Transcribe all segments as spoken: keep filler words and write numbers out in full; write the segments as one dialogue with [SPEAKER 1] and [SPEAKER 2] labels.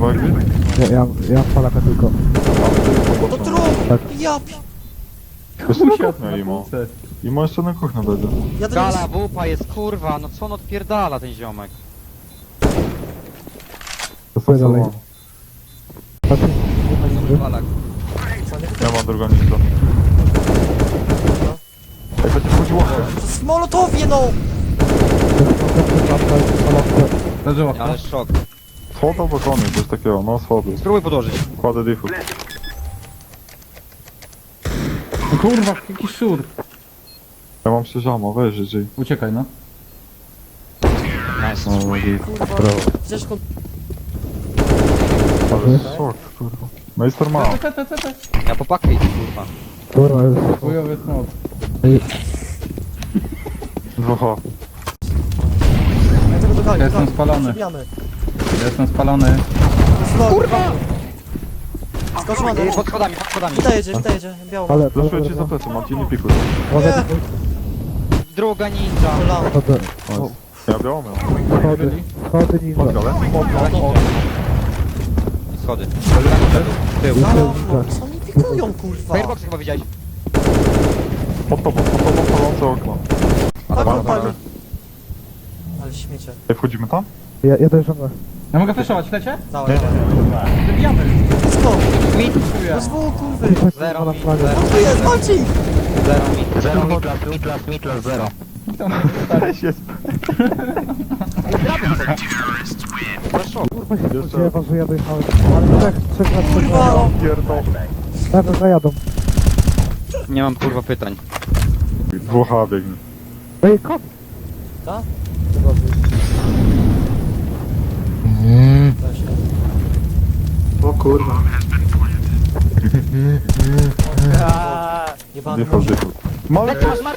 [SPEAKER 1] kawałek gry?
[SPEAKER 2] Ja, ja, ja palaka tylko.
[SPEAKER 3] To trup!
[SPEAKER 2] Tak.
[SPEAKER 3] Ja pi...
[SPEAKER 1] Jeszcze na kuchnię imo. Imo jeszcze na kuchnię będzie.
[SPEAKER 3] Ja to nie
[SPEAKER 4] Gala, wupa jest kurwa, no co on odpierdala ten ziomek?
[SPEAKER 1] To
[SPEAKER 2] Chodź dalej.
[SPEAKER 1] są
[SPEAKER 2] Patrz,
[SPEAKER 4] Balak.
[SPEAKER 1] Ja mam drugą nisko. Ej, będzie wchodziło.
[SPEAKER 3] w molotowie, no!
[SPEAKER 2] leży
[SPEAKER 4] Nie,
[SPEAKER 2] łapka.
[SPEAKER 4] ale szok.
[SPEAKER 1] Schody albo koniec, coś takiego, no schody.
[SPEAKER 4] Spróbuj podłożyć.
[SPEAKER 1] Kładę diffu.
[SPEAKER 5] No kurwa, jaki szur.
[SPEAKER 1] Ja mam sześciamo, weź żyj.
[SPEAKER 5] Uciekaj no.
[SPEAKER 4] Nice.
[SPEAKER 1] No, i...
[SPEAKER 3] Kurwa. Ciężko...
[SPEAKER 1] Ale szok, kurwa. Majster ma.
[SPEAKER 5] Te, te, te, te, te.
[SPEAKER 4] Ja po pakę idę, kurwa.
[SPEAKER 2] Kurwa, jest.
[SPEAKER 5] Chujowy smok.
[SPEAKER 1] Dwa.
[SPEAKER 3] Ja tego doganiam,
[SPEAKER 5] Ja jestem
[SPEAKER 3] tak.
[SPEAKER 5] spalony.
[SPEAKER 3] Przebijamy.
[SPEAKER 5] Ja jestem spalony.
[SPEAKER 3] Kurwa! Skocz ma
[SPEAKER 4] Ej, pod schodami, pod schodami.
[SPEAKER 3] Wita jedzie, wita jedzie, biało.
[SPEAKER 2] Ale,
[SPEAKER 1] Flaszuję ci za plecy, mam ci nie pikuj.
[SPEAKER 2] Uwaga,
[SPEAKER 4] Druga ninja.
[SPEAKER 3] Kolano.
[SPEAKER 2] chodzę.
[SPEAKER 1] Ja białą miał.
[SPEAKER 2] Schody, schody ninja.
[SPEAKER 1] Pod galę?
[SPEAKER 4] I schody. Tył.
[SPEAKER 3] Halo, co oni pikują, kurwa?
[SPEAKER 4] Firebox chyba widziałeś.
[SPEAKER 1] Pod tobą, pod tobą, palące okno.
[SPEAKER 3] Tak,
[SPEAKER 1] Dobra,
[SPEAKER 3] pali.
[SPEAKER 1] dobra.
[SPEAKER 3] Ale śmiecie.
[SPEAKER 1] Ej, wchodzimy tam?
[SPEAKER 2] Ja, ja dojeżdżam.
[SPEAKER 5] Ja mogę flashować, lecie?
[SPEAKER 3] Dawaj, dawaj.
[SPEAKER 5] Wybijamy.
[SPEAKER 3] Skok!
[SPEAKER 4] Mit.
[SPEAKER 3] To z dwóch, kurwy!
[SPEAKER 4] Zero
[SPEAKER 2] na
[SPEAKER 4] mit.
[SPEAKER 2] flagę.
[SPEAKER 4] Zero,
[SPEAKER 3] Tu jest, walczy!
[SPEAKER 4] zero mit.
[SPEAKER 6] Zero mitlas, mitlas, mitlas, zero.
[SPEAKER 1] Weź jest.
[SPEAKER 4] To szok.
[SPEAKER 2] Kurwa się spodziewa, że ja dojechałem. Ale trzech, trzech na trzech.
[SPEAKER 3] Kurwa!
[SPEAKER 1] Pierdol.
[SPEAKER 2] Zaraz zajadą.
[SPEAKER 4] Nie mam kurwa pytań.
[SPEAKER 1] Dwóch biegnie.
[SPEAKER 2] Ej, kot!
[SPEAKER 3] Tak?
[SPEAKER 2] O kurwa.
[SPEAKER 3] Jebany
[SPEAKER 1] Diffu,
[SPEAKER 3] może.
[SPEAKER 1] diffu. Mały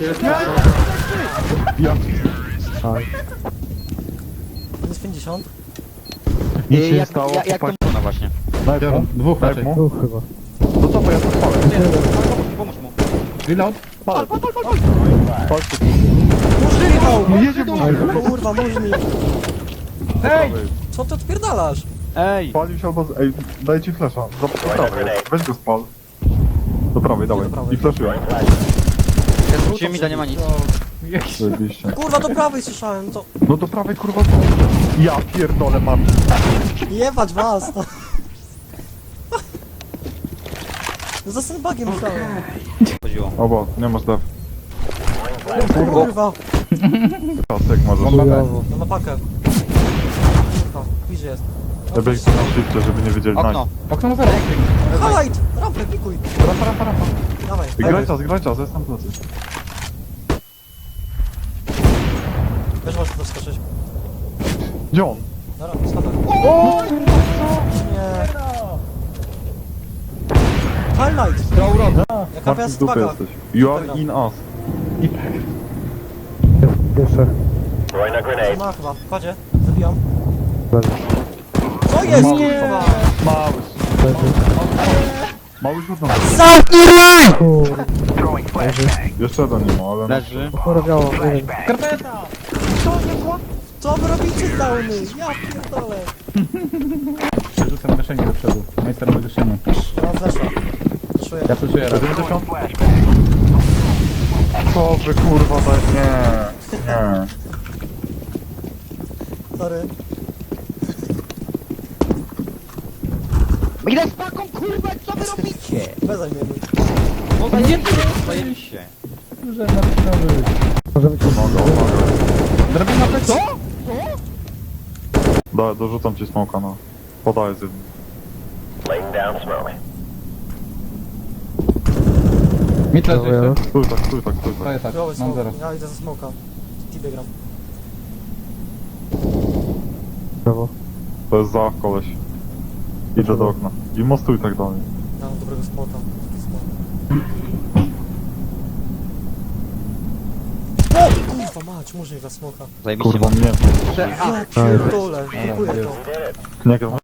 [SPEAKER 1] Ja.
[SPEAKER 2] Tak.
[SPEAKER 3] Minus pięćdziesiąt.
[SPEAKER 1] Nic się nie
[SPEAKER 4] jak,
[SPEAKER 1] stało,
[SPEAKER 4] jak, jak to
[SPEAKER 1] chłopaki.
[SPEAKER 4] można właśnie?
[SPEAKER 1] Daj mu.
[SPEAKER 5] Dwóch
[SPEAKER 1] Daj
[SPEAKER 5] raczej.
[SPEAKER 1] mu.
[SPEAKER 2] Tu chyba.
[SPEAKER 1] No to co, ja to spalę.
[SPEAKER 4] Pomóż mu.
[SPEAKER 5] Reload.
[SPEAKER 1] Palę. Palcie.
[SPEAKER 3] Murzynką!
[SPEAKER 1] Jedzie mu.
[SPEAKER 3] Kurwa, murzyn.
[SPEAKER 5] Hej!
[SPEAKER 3] Co ty odpierdalasz?
[SPEAKER 4] Ej!
[SPEAKER 1] Palił się albo... z- Ej, daj ci flesza. Do do prawej. Weź go spal. Do prawej, dawaj.
[SPEAKER 3] do prawej.
[SPEAKER 1] I flaszuję.
[SPEAKER 4] Ja zwróciłem mi, da nie ma nic.
[SPEAKER 1] Zajebiście.
[SPEAKER 3] Kurwa, do prawej słyszałem, to...
[SPEAKER 1] No do prawej kurwa co? Ja pierdolę mam.
[SPEAKER 3] Jebać was! No. No za sandbagiem myślałem.
[SPEAKER 4] Chodziło.
[SPEAKER 1] Obo, nie masz def.
[SPEAKER 3] Kurwa!
[SPEAKER 1] Pasek możesz.
[SPEAKER 5] Bomba B.
[SPEAKER 3] No na pakę. Kurwa, bliżej jest.
[SPEAKER 1] Ja biegnę na shifcie, żeby nie wiedzieli
[SPEAKER 4] Okno.
[SPEAKER 1] night.
[SPEAKER 5] Okno na zero.
[SPEAKER 3] Highlight! Rampę, pikuj!
[SPEAKER 1] Rampa, rampa, rampa.
[SPEAKER 3] Dawaj.
[SPEAKER 1] Graj czas, graj czas, jestem plecy.
[SPEAKER 3] Też możesz tu skoczyć.
[SPEAKER 1] Gdzie on?
[SPEAKER 3] Na rampę, schodek. O! Nie. Highlight!
[SPEAKER 4] To urok.
[SPEAKER 3] Jaka
[SPEAKER 1] Marcin
[SPEAKER 3] miała
[SPEAKER 1] z dupy
[SPEAKER 3] swaga?
[SPEAKER 1] jesteś. You are in us.
[SPEAKER 2] Jeszcze.
[SPEAKER 3] Ma chyba, kładzie. Zabijam.
[SPEAKER 2] Leży.
[SPEAKER 3] Co jest, kurwa?
[SPEAKER 1] Mały.
[SPEAKER 2] Leży.
[SPEAKER 1] Mały rzut na
[SPEAKER 2] Kurwa.
[SPEAKER 1] Jeszcze jeden nie ma, ale...
[SPEAKER 4] Leży.
[SPEAKER 2] Chora biało, nie wiem.
[SPEAKER 5] Skarpeta!
[SPEAKER 3] Co wy robicie, downy? Ja pierdolę.
[SPEAKER 5] Rzucam gaszenie do przodu. Majster ma gaszenie.
[SPEAKER 3] Ja mam flesza. Czuję.
[SPEAKER 5] Ja flashuję raz.
[SPEAKER 1] siedemdziesiąt? Co wy kurwa daj... Nie. Nie.
[SPEAKER 3] Sorry.
[SPEAKER 4] Ile z paką kurwa, co wy robicie?
[SPEAKER 3] Bez zajmiemy.
[SPEAKER 4] No zajebiście, zajebiście.
[SPEAKER 5] Że na przykład.
[SPEAKER 2] Możemy cię
[SPEAKER 1] Uwaga, uwaga.
[SPEAKER 5] Drabina P. Co?
[SPEAKER 1] Da, dorzucam ci smoka, no. Podaję z jednym.
[SPEAKER 5] Mit leży jeszcze.
[SPEAKER 1] Stój tak, stój tak, stój
[SPEAKER 5] To
[SPEAKER 1] tak.
[SPEAKER 5] jest tak.
[SPEAKER 3] Biały
[SPEAKER 5] Mam
[SPEAKER 3] smoke.
[SPEAKER 5] zero.
[SPEAKER 3] Ja idę za smoka. Tibie gram.
[SPEAKER 2] prawo.
[SPEAKER 1] To jest za koleś. Idę do okna. I mostuj tak dalej.
[SPEAKER 3] Ja mam dobrego spota. Taki smok. O! Kurwa mać, może za smoka.
[SPEAKER 4] Zajebiście.
[SPEAKER 1] Kurwa, mnie.
[SPEAKER 4] Prze- a,
[SPEAKER 3] Ja pierdolę, dziękuję to.
[SPEAKER 1] Nie gram.